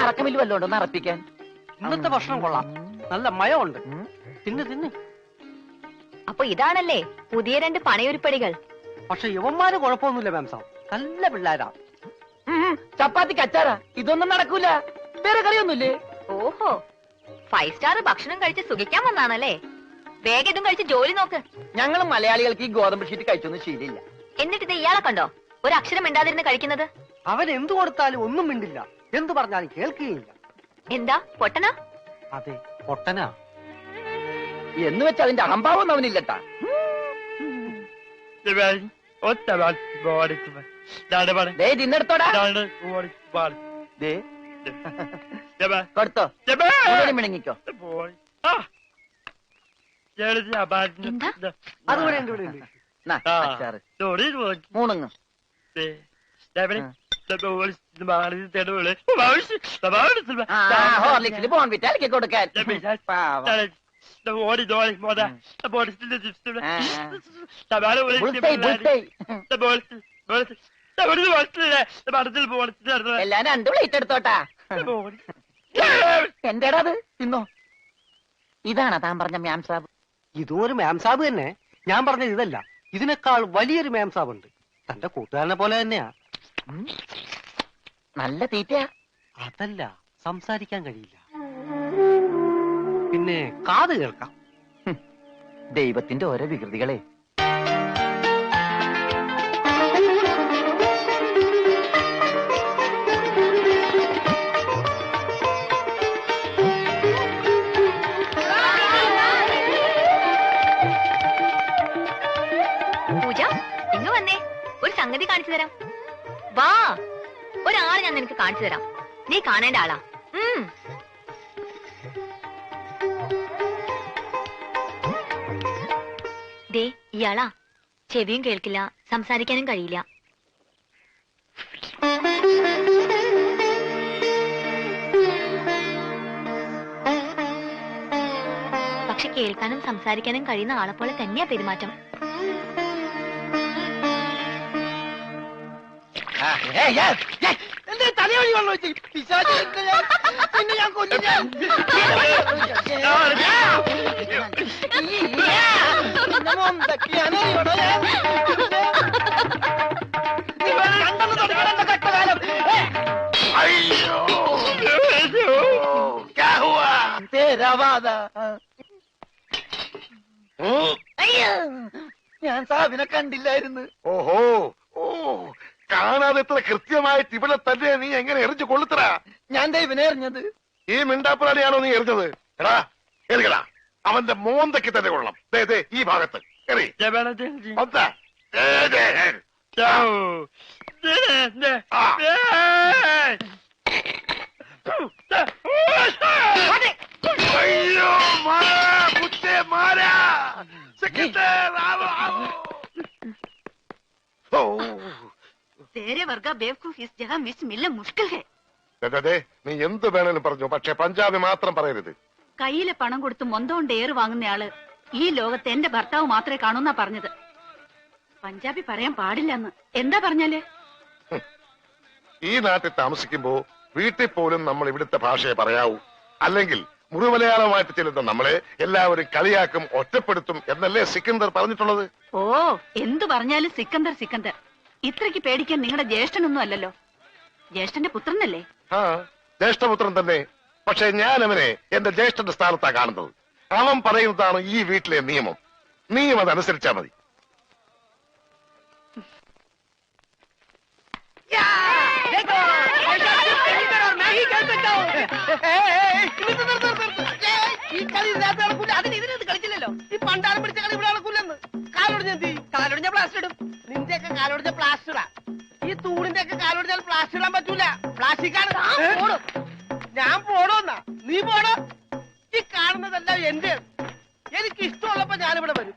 അറക്കമില്ല വല്ലോണ്ടോ അറപ്പിക്കാൻ? ഇന്നത്തെ ഭക്ഷണം കൊള്ളാം, നല്ല മയമുണ്ട്. തിന്ന് തിന്ന്. അപ്പൊ ഇതാണല്ലേ പുതിയ 2 പണയുരുപ്പടികൾ. പക്ഷെ യുവന്മാര് കുഴപ്പമൊന്നുമില്ല മാം സാബ്, നല്ല പിള്ളേരാ. ചപ്പാത്തിക്ക് അച്ചാറാ, ഇതൊന്നും നടക്കൂല. വേറെ കറിയൊന്നുമില്ലേ? ഓഹോ, 5 സ്റ്റാർ ഭക്ഷണം കഴിച്ച് സുഖിക്കാൻ വന്നാണല്ലേ? വേഗം ഇതും കഴിച്ച് ജോലി നോക്ക്. ഞങ്ങൾ മലയാളികൾക്ക് ഈ ഗോതമ്പ് ഷീറ്റ് കഴിച്ചൊന്നും ശീലില്ല. എന്നിട്ട് ഇത് ഇയാളെ കണ്ടോ ഒരു അക്ഷരം മിണ്ടാതിരുന്ന് കഴിക്കുന്നത്? അവൻ എന്തു കൊടുത്താലും ഒന്നും മിണ്ടില്ല, എന്തു പറഞ്ഞാലും കേൾക്കുകയില്ല. എന്താ പൊട്ടനാ? അതെ, പൊട്ടനാ. എന്ന് വെച്ച് അതിന്റെ അഹംഭാവം അവനില്ലട്ടാ. തിന്നെടുത്തോടാ. കൊടുത്തോ, മിണങ്ങിക്കോ. അതുപോലെ ഉണ്ട്, ഇവിടെ ഉണ്ട്. മൂണങ്ങ് ഹോർലിക്സിൽ ബോൺവിറ്റ അലക്കി കൊടുക്കാൻ. എല്ലാം 2 പ്ലേറ്റ് എടുത്തോട്ടാ. എന്റേടാ അത്, തിന്നോ. ഇതാണോ താൻ പറഞ്ഞ മാം സാബ്? ഇതും ഒരു മാം സാബ് തന്നെ. ഞാൻ പറഞ്ഞത് ഇതല്ല, ഇതിനേക്കാൾ വലിയൊരു മാം സാബ് ഉണ്ട്. തന്റെ കൂട്ടുകാരനെ പോലെ തന്നെയാ. നല്ല തീറ്റയാ. അതല്ല, സംസാരിക്കാൻ കഴിയില്ല, പിന്നെ കാത് കേൾക്കാം. ദൈവത്തിന്റെ ഓരോ വികൃതികളെ. പൂജ, ഇങ്ങ് വന്നേ, ഒരു സംഗതി കാണിച്ചു തരാം. വാ, ഒരാളെ ഞാൻ നിനക്ക് കാണിച്ചു തരാം. നീ കാണേണ്ട ആളാ. ദേ ഇയാളാ. ചെവിയും കേൾക്കില്ല, സംസാരിക്കാനും കഴിയില്ല. പക്ഷെ കേൾക്കാനും സംസാരിക്കാനും കഴിയുന്ന ആളെപ്പോലെ തന്നെയാ പെരുമാറ്റം. തലവഴി വെള്ളം വെച്ച് പിന്നെ ഞാൻ കൊല്ലും. ഞാൻ സാബിനെ കണ്ടില്ലായിരുന്നു. ഓഹോ, ഓ, കാണാതെ എത്ര കൃത്യമായിട്ട് ഇവിടെ തന്നെ നീ എങ്ങനെ എറിഞ്ഞു കൊള്ളുത്തറാ? ഞാൻ ദൈവനെ എറിഞ്ഞത്. ഈ മിണ്ടാപ്പുറാണിയാണോ നീ എറിഞ്ഞത്? എടാ എറിയടാ, അവന്റെ മോന്തയ്ക്ക് തന്നെ കൊള്ളണം. ഈ ഭാഗത്ത് എറി. അയ്യോ മാരാ. നീ എന്ത് വേണേലും പറഞ്ഞു, പക്ഷെ പഞ്ചാബി മാത്രം പറയരുത്. കയ്യിലെ പണം കൊടുത്ത് മൊന്തോണ്ട് ഏറ് വാങ്ങുന്നയാള് ഈ ലോകത്ത് എന്റെ ഭർത്താവ് മാത്രമേ കാണൂന്നാ പറഞ്ഞത്. പഞ്ചാബി പറയാൻ പാടില്ലെന്ന്. എന്താ പറഞ്ഞാല്? ഈ നാട്ടിൽ താമസിക്കുമ്പോ വീട്ടിൽ പോലും നമ്മൾ ഇവിടുത്തെ ഭാഷയെ പറയാവൂ. അല്ലെങ്കിൽ മുഴുമലയാളമായിട്ട് ചെല്ലുന്ന നമ്മളെ എല്ലാവരും കളിയാക്കും, ഒറ്റപ്പെടുത്തും എന്നല്ലേ സിക്കന്ദർ പറഞ്ഞിട്ടുള്ളത്? ഓ, എന്തു പറഞ്ഞാലും സിക്കന്ദർ സിക്കന്ദർ. ഇത്രയ്ക്ക് പേടിക്കാൻ നിങ്ങളുടെ ജ്യേഷ്ഠനൊന്നും അല്ലല്ലോ. ജ്യേഷ്ഠന്റെ പുത്രനല്ലേ? ആ, ജ്യേഷ്ഠപുത്രൻ തന്നെ. പക്ഷെ ഞാൻ അവനെ എന്റെ ജ്യേഷ്ഠന്റെ സ്ഥാനത്താ കാണുന്നത്. അവൻ പറയുന്നതാണ് ഈ വീട്ടിലെ നിയമം. നീയും അതനുസരിച്ചാ മതി. ഈ കളി ഇതിനകത്ത് നടക്കൂല. ഇതിനകത്ത് കളിച്ചില്ലല്ലോ. ഈ പണ്ടാരം പിടിച്ച കളി ഇവിടെ നടക്കൂലെന്ന്. കാലൊടിഞ്ഞ പ്ലാസ്റ്റർ ഇടും. നിന്റെയൊക്കെ കാലൊടിഞ്ഞ പ്ലാസ്റ്ററാ. ഈ തൂണിന്റെ ഒക്കെ കാലൊടിഞ്ഞാൽ പ്ലാസ്റ്റർ ഇടാൻ പറ്റൂല. പ്ലാസ്റ്റിക്കാണ്. ഞാൻ പോടോന്നാ? നീ പോടോ. ഈ കാണുന്നതെല്ലാം എന്റെ. എനിക്ക് ഇഷ്ടമുള്ളപ്പോ ഞാനിവിടെ വരും.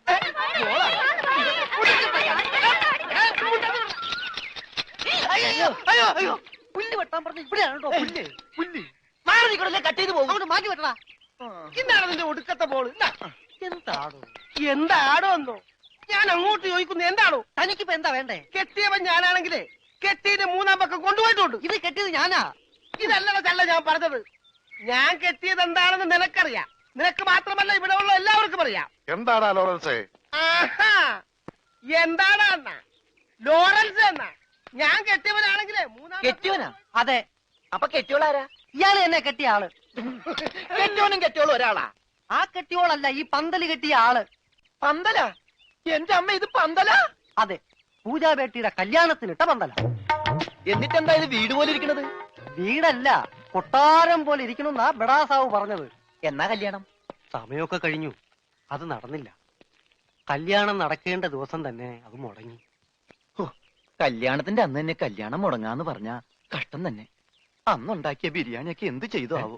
അയ്യോ അയ്യോ അയ്യോ, പുല്ല് വെട്ടാൻ പറഞ്ഞു. ഇവിടെയാണോ പുല്ല്? പുല്ല് മാറി നിൽക്കണല്ലേ, കട്ട് ചെയ്ത് പോകും. അങ്ങോട്ട് മാറ്റി വെട്ടണ. ഇന്നാണ് നിന്റെ ഒടുക്കത്തെ ബോള്. എന്താടോ എന്നോ ഞാൻ അങ്ങോട്ട് ചോദിക്കുന്നു. എന്താണോ തനിക്കിപ്പോ എന്താ വേണ്ടേ? കെട്ടിയവൻ ഞാനാണെങ്കിലേ കെട്ടിയത് 3-ാം പക്കം കൊണ്ടുപോയിട്ടുണ്ട്. ഇത് കെട്ടിയത് ഞാനാ. ഇതല്ലടാ ചള്ള ഞാൻ പറഞ്ഞത്. ഞാൻ കെട്ടിയത് എന്താണെന്ന് നിനക്കറിയാം. നിനക്ക് മാത്രമല്ല ഇവിടെ ഉള്ള എല്ലാവർക്കും അറിയാം. എന്താടാ ലോറൻസേ? ആഹാ, എന്താണ് അണ്ണ ലോറൻസ് എന്നാ? ഞാൻ കെട്ടിയവനാണെങ്കിലേ കെട്ടിയോനാ? അതെ, അപ്പൊ കെട്ടിയോളാരാ? ഇയാള് എന്നെ കെട്ടിയ ആള്. കെട്ടിയോനും കെട്ടിയോളും ഒരാളാ? ആ കെട്ടിയോളല്ല, ഈ പന്തല് കെട്ടിയ ആള്. പന്തലാ? എന്റെ അമ്മ, ഇത് പന്തലാ? അതെ, പൂജാബേട്ടിയുടെ കല്യാണത്തിനിട്ട പന്തല. എന്നിട്ടെന്താ ഇത് വീട് പോലെ ഇരിക്കണത്? വീടല്ല, കൊട്ടാരം പോലെ ഇരിക്കണമെന്നാ ബെടാസാവ് പറഞ്ഞത്. എന്നാ കല്യാണം? സമയമൊക്കെ കഴിഞ്ഞു, അത് നടന്നില്ല. കല്യാണം നടക്കേണ്ട ദിവസം തന്നെ അത് മുടങ്ങി. കല്യാണത്തിന്റെ അന്ന് തന്നെ കല്യാണം മുടങ്ങാന്ന് പറഞ്ഞ കഷ്ടം തന്നെ. അന്നുണ്ടാക്കിയ ബിരിയാണിയൊക്കെ എന്ത് ചെയ്തു ആവോ?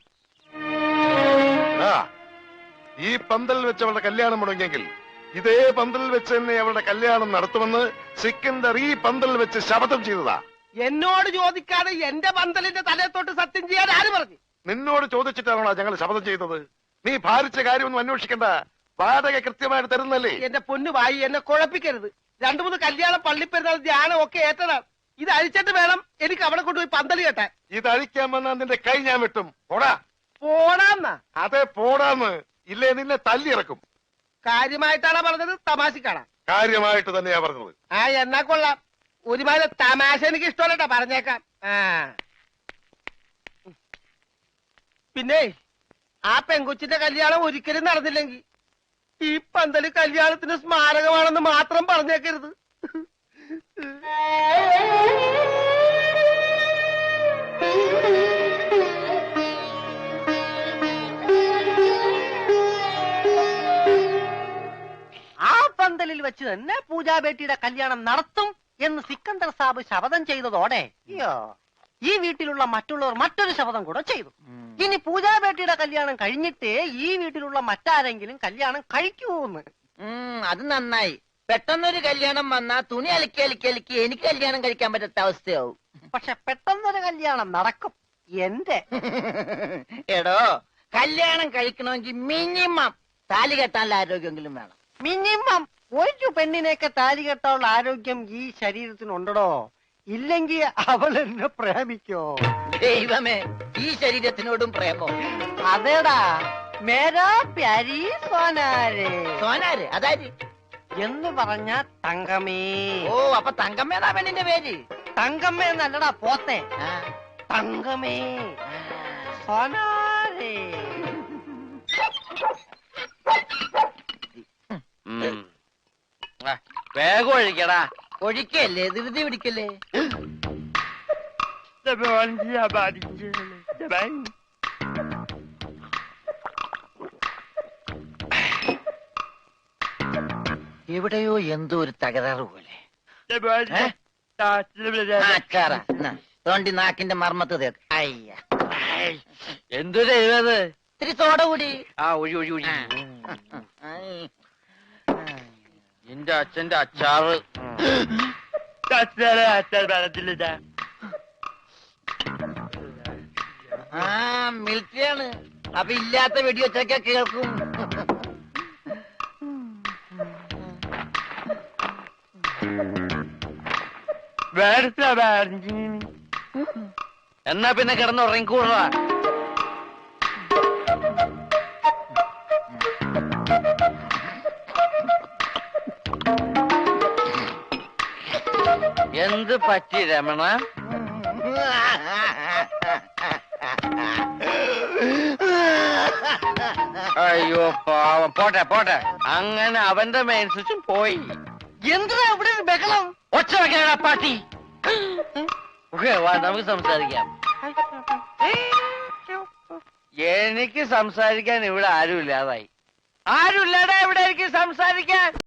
ആ, ഈ പന്തൽ വെച്ച് അവളുടെ കല്യാണം മുടങ്ങിയെങ്കിൽ ഇതേ പന്തൽ വെച്ച് തന്നെ അവളുടെ കല്യാണം നടത്തുമെന്ന് സിക്കന്ദർ ഈ പന്തൽ വെച്ച് ശപഥം ചെയ്തതാ. എന്നോട് ചോദിക്കാതെ എന്റെ പന്തലിന്റെ തലയത്തോട്ട് സത്യം ചെയ്യാൻ ആര് പറഞ്ഞു? നിന്നോട് ചോദിച്ചിട്ടാണോ ഞങ്ങൾ ശപഥം ചെയ്തത്? നീ ഭാരിച്ച കാര്യമൊന്നും അന്വേഷിക്കണ്ട, വാടക കൃത്യമായിട്ട് തരുന്നല്ലേ. എന്റെ പൊന്നു വായി, എന്നെ കുഴപ്പിക്കരുത്. 2-3 കല്യാണം, പള്ളിപ്പെരുന്നാൾ, ധ്യാനം ഒക്കെ ഏറ്റതാണ്. ഇത് അഴിച്ചിട്ട് വേണം എനിക്ക് അവിടെ കൊണ്ടുപോയി പന്തല് കെട്ടാൻ. ഇത് അഴിക്കാൻ വന്നാൽ നിന്റെ കൈ ഞാൻ വെട്ടും. പോടാ. പോടാന്നാ? അതെ, പോടാന്ന്. ഇല്ലേ നിന്നെ തല്ലിയിറക്കും. കാര്യമായിട്ടാണ് പറഞ്ഞത്, തമാശക്കാണാ? കാര്യമായിട്ട് തന്നെയാ പറഞ്ഞത്. ആ, എന്നാ കൊള്ളാം. ഒരുമാതിരി തമാശ എനിക്ക് ഇഷ്ടമല്ലട്ടാ, പറഞ്ഞേക്കാം. ആ, പിന്നെ ആ പെങ്കൊച്ചിന്റെ കല്യാണം ഒരിക്കലും നടന്നില്ലെങ്കിൽ ഈ പന്തല് കല്യാണത്തിന് സ്മാരകമാണെന്ന് മാത്രം പറഞ്ഞേക്കരുത്. ആ പന്തലിൽ വെച്ച് തന്നെ പൂജാബേട്ടിയുടെ കല്യാണം നടത്തും എന്ന് സിക്കന്ദർ സാബ് ശപഥം ചെയ്തതോടെ ഈ വീട്ടിലുള്ള മറ്റുള്ളവർ മറ്റൊരു ശപഥം കൂടെ ചെയ്തു. ഇനി പൂജാബേട്ടിയുടെ കല്യാണം കഴിഞ്ഞിട്ടേ ഈ വീട്ടിലുള്ള മറ്റാരെങ്കിലും കല്യാണം കഴിക്കൂന്ന്. അത് നന്നായി. പെട്ടെന്നൊരു കല്യാണം വന്നാ തുണി അലക്കി അലക്കി അലക്കി എനിക്ക് കല്യാണം കഴിക്കാൻ പറ്റാത്ത അവസ്ഥയാവും. പക്ഷെ പെട്ടെന്നൊരു കല്യാണം നടക്കും എന്റെ. എടോ, കല്യാണം കഴിക്കണമെങ്കിൽ മിനിമം താലി കെട്ടാനുള്ള ആരോഗ്യമെങ്കിലും വേണം. മിനിമം ഒരു പെണ്ണിനെയൊക്കെ താലി കെട്ടാനുള്ള ആരോഗ്യം ഈ ശരീരത്തിനുണ്ടോ? ഇല്ലെങ്കിൽ അവൾ എന്നെ പ്രേമിക്കോ? ദൈവമേ, ഈ ശരീരത്തിനോടും പ്രേമോ? അതേടാ, മേരാ പ്യാരി സോനാരെ. സോനാര് അതായത് എന്ന് പറഞ്ഞ തങ്കമേ. ഓ, അപ്പൊ തങ്കമ്മേന്നാ പെണ്ണിന്റെ പേര്? തങ്കമ്മ എന്നല്ലടാ പോത്തെ, ആ, തങ്കമേ സോനാരെ. വേഗം ഒഴിക്കടാ. ഒഴിക്കല്ലേ, ധൃതി പിടിക്കല്ലേ. എവിടെയോ എന്തോ ഒരു തകരാറ് പോലെ. തോണ്ടി നാക്കിന്റെ മർമ്മത്ത് തേക്ക്. അയ്യ, എന്തു ചെയ്തത്? ഇത്തിരി സോഡ കൂടി. ആ, ഒഴി ഒഴി ഒഴി. നിന്റെ അച്ഛന്റെ അച്ചാറ്. ആ, മിലിറ്ററിയാണ്. അപ്പൊ ഇല്ലാത്ത വെടിവെച്ചൊക്കെ കേൾക്കും. എന്നാ പിന്നെ കിടന്നുറങ്ങിക്കൂടാ. എന്ത് പറ്റി രമണ? അയ്യോ പാവം. പോട്ടെ പോട്ടെ, അങ്ങനെ അവന്റെ മെയിൻ സ്വിച്ചും പോയി. എന്തിനാ ഇവിടെ ഒരു ബഹളം? ഒച്ച വെക്കാനാ പാട്ടി. വാ, നമുക്ക് സംസാരിക്കാം. എനിക്ക് സംസാരിക്കാൻ ഇവിടെ ആരുമില്ലാതായി. ആരുമില്ലാടാ ഇവിടെ എനിക്ക് സംസാരിക്കാൻ.